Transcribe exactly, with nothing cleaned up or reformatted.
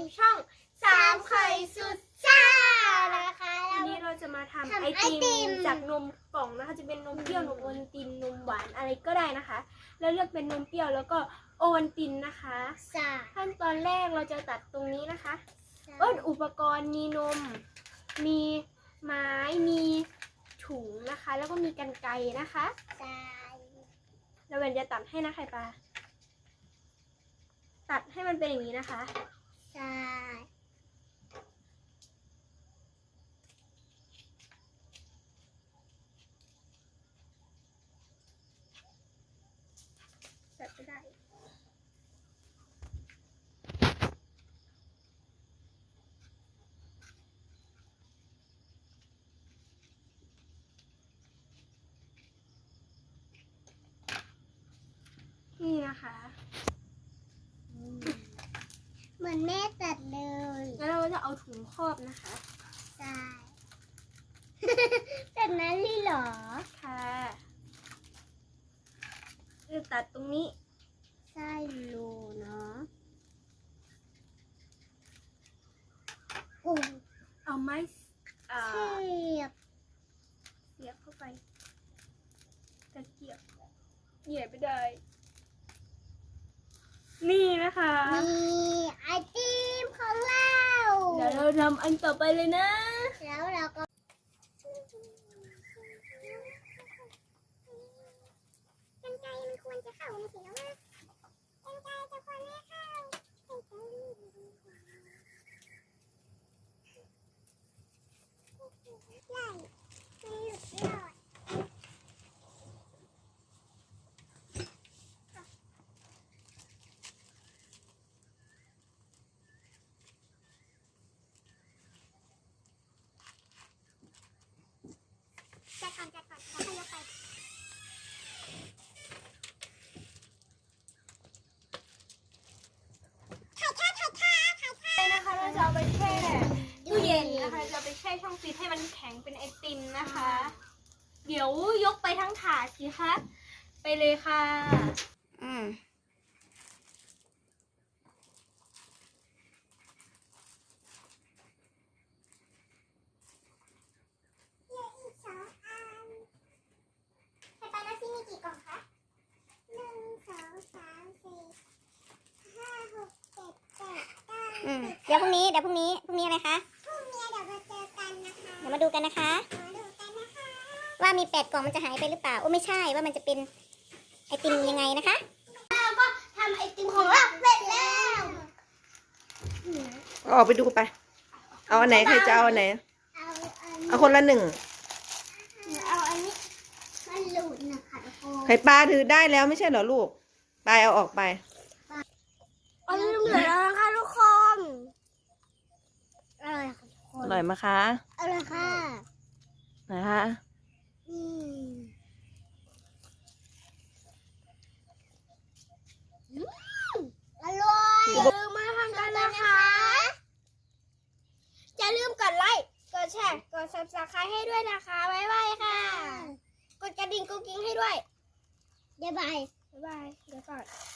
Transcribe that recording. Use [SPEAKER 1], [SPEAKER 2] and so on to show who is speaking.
[SPEAKER 1] ช่องสามไข่สุดซ่า
[SPEAKER 2] นะคะ
[SPEAKER 1] วันนี้เราจะมาทำไอติมจากนมกล่องนะคะจะเป็นนมเปรี้ยวนมโอวัลตินนมหวานอะไรก็ได้นะคะแล้วเลือกเป็นนมเปรี้ยวแล้วก็โอวัลตินนะคะขั้นตอนแรกเราจะตัดตรงนี้นะคะเอิ้นอุปกรณ์มีนมมีไม้มีถุงนะคะแล้วก็มีกรรไกรนะคะเราเวนจะตัดให้นะไข่ปลาตัดให้มันเป็นอย่างนี้นะคะ
[SPEAKER 2] ใช่
[SPEAKER 1] ตัดไม่ได้นี่นะคะ
[SPEAKER 2] เหมือนแม่ตัดเลย
[SPEAKER 1] แล้วเราจะเอาถุงครอบนะคะ
[SPEAKER 2] ใช่ แบบนั้นเลยเหรอ
[SPEAKER 1] ค่ะจะตัดตรงนี้
[SPEAKER 2] ใช่รูเนาะโอ้
[SPEAKER 1] เอาไม้อ่า
[SPEAKER 2] เทียบ
[SPEAKER 1] เสียบเข้าไปตะเกียบเหยียบไม่ได้ นี่นะคะ
[SPEAKER 2] นี่ไอติมของเรา
[SPEAKER 1] เดี๋ยวเราทำอันต่อไปเลยนะ
[SPEAKER 2] แล้วเราก็กรรไกรมันควรจะเข้ามาสิแล้วนะกรรไกรจะควรไม่เข้าใหญ่ไม่หลุดรอดจัดก่อนจัดก่อนแล้วค่อยยกไปถ่ายท่าถ่ายท่าถ่ายท่า
[SPEAKER 1] นะคะเราจะเอาไปแช่ตู้เย็นนะคะจะเอาไปแช่ช่องฟรีซให้มันแข็งเป็นไอติมนะคะ เดี๋ยวยกไปทั้งถาดสิคะไปเลยค่ะอืม
[SPEAKER 2] เหลืออีกสองอันไข่ปลานาซี่มีกี่กล่องคะหนึ่งสองสามสี่ห้าหกเจ็ดแปดเก้า
[SPEAKER 3] อืมเดี๋ยวพรุ่งนี้เดี๋ยวพรุ่งนี้พรุ่งนี้อะไรคะ
[SPEAKER 2] พรุ่งนี้เดี๋ยวมาเจอกันนะคะ
[SPEAKER 3] เดี๋ยวมาดูกันนะคะ
[SPEAKER 2] มาดูกันนะคะ
[SPEAKER 3] ว่ามีแปดกล่องมันจะหายไปหรือเปล่าโอ้ไม่ใช่ว่ามันจะเป็นไอติมยังไงนะคะ
[SPEAKER 2] เราก็ทำไอติมของเราเสร็จแล้ว
[SPEAKER 4] ออกไปดูไป เอาอันไหนใครจะเอาอันไหน
[SPEAKER 2] เอาอัน
[SPEAKER 4] เอาคนละหนึ่ง
[SPEAKER 2] เอาอันนี้มันหลุดนะคะทุกคน
[SPEAKER 4] ไข่ปลาถือได้แล้วไม่ใช่เหรอลูก ไปเอาออกไป
[SPEAKER 2] เอาลืมเหลือแล้วนะคะทุกคนอร่อยค่ะทุกค
[SPEAKER 4] อน ร่อยไหมคะ
[SPEAKER 2] อร่อยค่ะ
[SPEAKER 4] นะคะ
[SPEAKER 2] อืมอืมอร่อยอย่าลืมมาทำกันนะคะอย่าลืมกดไลค์กดแชร์กด ซับสไครบ์ ให้ด้วยนะคะบ๊ายบายค่ะ กดกระดิ่งกุ๊กกิ๊งให้ด้วยบ๊ายบายบ๊ายบายเดี๋ยวก่อน